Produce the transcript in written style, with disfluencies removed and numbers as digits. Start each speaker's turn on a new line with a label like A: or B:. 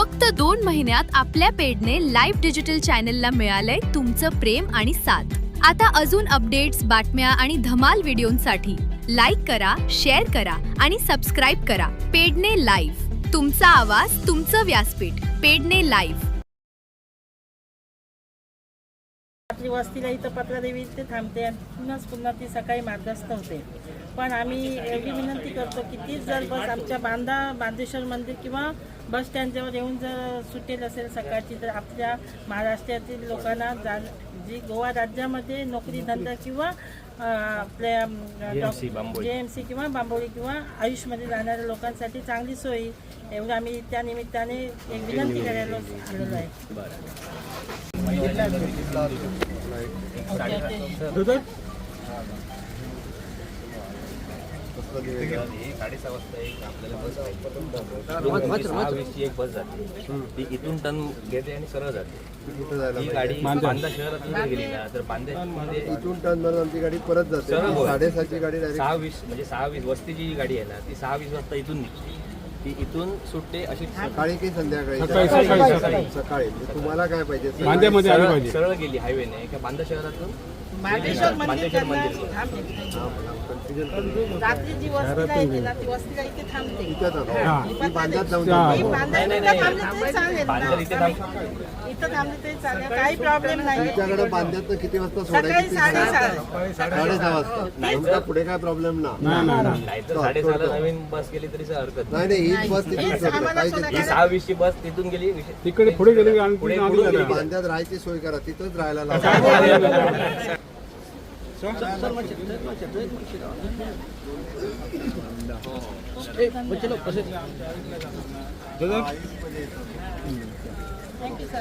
A: फक्त 2 महिन्यात आपल्या पेडने लाईव्ह डिजिटल चॅनलला मिळालंय तुमचं प्रेम आणि साथ। आता अजून अपडेट्स, बातम्या आणि धमाल व्हिडिओंसाठी लाईक करा, शेअर करा आणि सबस्क्राईब करा। पेडने लाईव्ह, तुमचा आवाज, तुमचं व्यासपीठ। पेडने लाईव्ह।
B: रात्री वस्तीला इथं पत्रादेवी इथे थांबते आणि पुन्हा ती सकाळी मार्गस्थ होते। पण आम्ही एवढी विनंती करतो की ती जर बस आमच्या बांदेश्वर मंदिर किंवा बस स्टँडजवळ येऊन जर सुटेल असेल सकाळची, तर आपल्या महाराष्ट्रातील लोकांना जी गोवा राज्यामध्ये नोकरी धंदा किंवा आपल्या JMC किंवा बांबोळी किंवा आयुषमध्ये जाणाऱ्या लोकांसाठी चांगली सोयी, एवढं आम्ही त्या निमित्ताने एक विनंती करायला आलेलो आहे।
C: साडेसहा वाजता एक आपल्याला बस आहे, एक बस जाते, ती इथून टर्न घेते आणि सरळ जाते। ही गाडी बांदा शहरातून गेली ना तर बांद्यामध्ये
D: इथून टर्न मारून आमची गाडी परत जाते। 7:30ची गाडी
C: 6:20 म्हणजे 6:20 वस्तीची जी गाडी आहे ना ती 6:20 वाजता इथून निघते। ती इथून सुटते अशी
D: सकाळी की संध्याकाळी? सकाळी। तुम्हाला काय पाहिजे?
C: सरळ गेली हायवेने का बांदा शहरातून
B: बांदेश्वर मंदिर रात्री जी वस्तीला येते ना ती वस्तीला इथे थांबते।
D: बांद्यात जाऊन
B: इथं थांबले तरी चालेल, काही प्रॉब्लेम नाही।
D: तुमच्याकडे बांद्यात किती वाजता सोडायची? 6:30 वाजता। नाही पुढे काय प्रॉब्लेम ना?
C: नाही तर 6:30 नवीन बस गेली तरी हरकत
D: नाही। हीच बस तिथून सोडते।
C: 6:20 ची बस तिथून गेली,
E: तिकडे पुढे गेली आणि
C: पुढे
D: बांद्यात राहायची सोय करा, तिथंच राहायला लावा।
E: दादा